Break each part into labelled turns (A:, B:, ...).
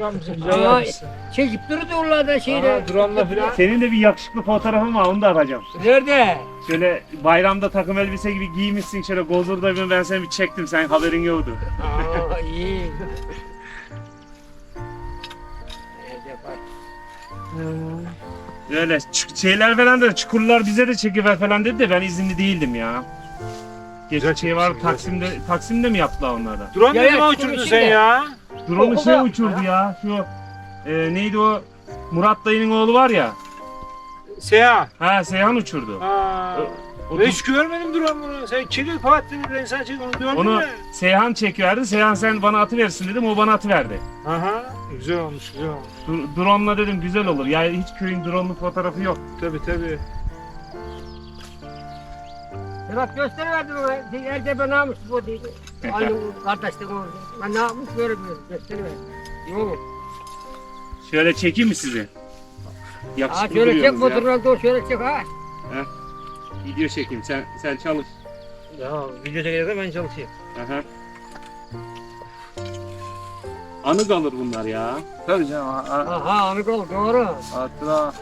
A: yapmışsın, güzel
B: Aa,
A: yapmışsın.
B: çekip durdu oralarda şeyle.
A: Aha, drone'la filan.
C: Senin de bir yakışıklı fotoğrafın var, onu da atacağım.
B: Nerede?
C: Şöyle bayramda takım elbise gibi giymişsin, şöyle gozurda ben seni bir çektim, sen haberin yoktu.
B: Aa iyi. Nerede bak.
C: Böyle şeyler falan da, çukurlar bize de çekiver falan dedi de ben izinli değildim ya.
A: Güzel
C: Geçen şey var,
A: çekmişsin,
C: Taksim'de mi yaptılar onları?
A: Drone
B: Ya,
A: ne
B: ya,
A: zaman
B: şunun
A: uçurdun
B: içinde.
A: sen ya?
C: Drone'u
B: O
C: şey
B: da-
C: uçurdu ya, şu neydi o, Murat dayının oğlu var ya.
A: Seha.
C: Ha, Seyhan uçurdu.
A: Ha.
C: O-
A: Ben hiç görmedim drone'unu. Sen çekil Fatih ben sana çek onu gördün
C: Onu
A: mü?
C: Seyhan çekiverdi, Seyhan sen bana atıversin dedim, o bana atıverdi.
A: Aha. Güzel olmuş, güzel olmuş.
C: Drone'la dedim güzel olur, yani hiç köyün drone'lu fotoğrafı yok.
A: Tabii.
B: Ya bak gösteriverdim ona. Elde ben ne yapmış bu dedi. Aynı kardeşlerim orada. Ben ne yapmış görmüyorum. Gösteriverdim. Yok.
C: Şöyle çekeyim mi sizi?
B: Ha
C: Yakışıklı
B: şöyle çek
C: duruyorsunuz ya.
B: fotoğrafı da şöyle çek ha.
C: Video çekeyim, sen çalış.
A: Ya video çekilirse ben çalışayım.
C: Aha. Anı kalır bunlar ya.
A: Tabii canım.
B: Aha anı kol doğru.
A: Hatıra.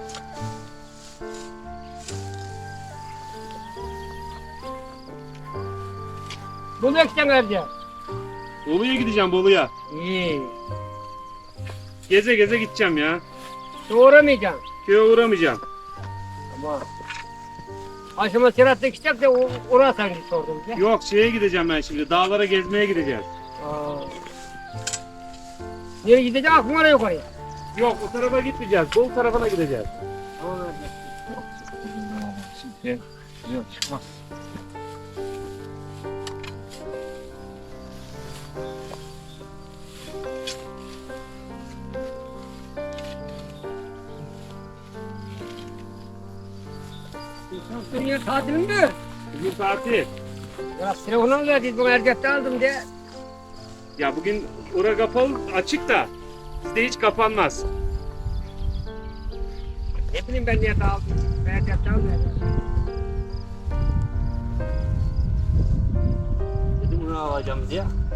B: Bu ne eksen evde?
C: Bolu'ya gideceğim, Bolu'ya.
B: İyi.
C: Geze geze gideceğim ya.
B: Doğramayacağım.
C: Köye uğramayacağım.
B: Ama aşama sıratta gidecek de oraya sen git sordum bize.
C: Yok, şeye gideceğim ben şimdi, dağlara gezmeye gideceğiz.
B: Aa. Nereye gideceksin? Aklım oraya yukarıya.
C: Yok, o tarafa gitmeyeceğiz, Bolu tarafına gideceğiz.
A: Yok çıkmaz.
B: Dünya tatilinde.
C: Bugün tatil.
B: Ya telefonu mu verdiniz? Bana erkekte aldım diye.
C: Ya bugün ora kapalı, açık da bizde hiç kapanmaz.
B: Ne bileyim ben niye aldım. Ben erkekte aldım.
D: Dedim bunu alacağım diye.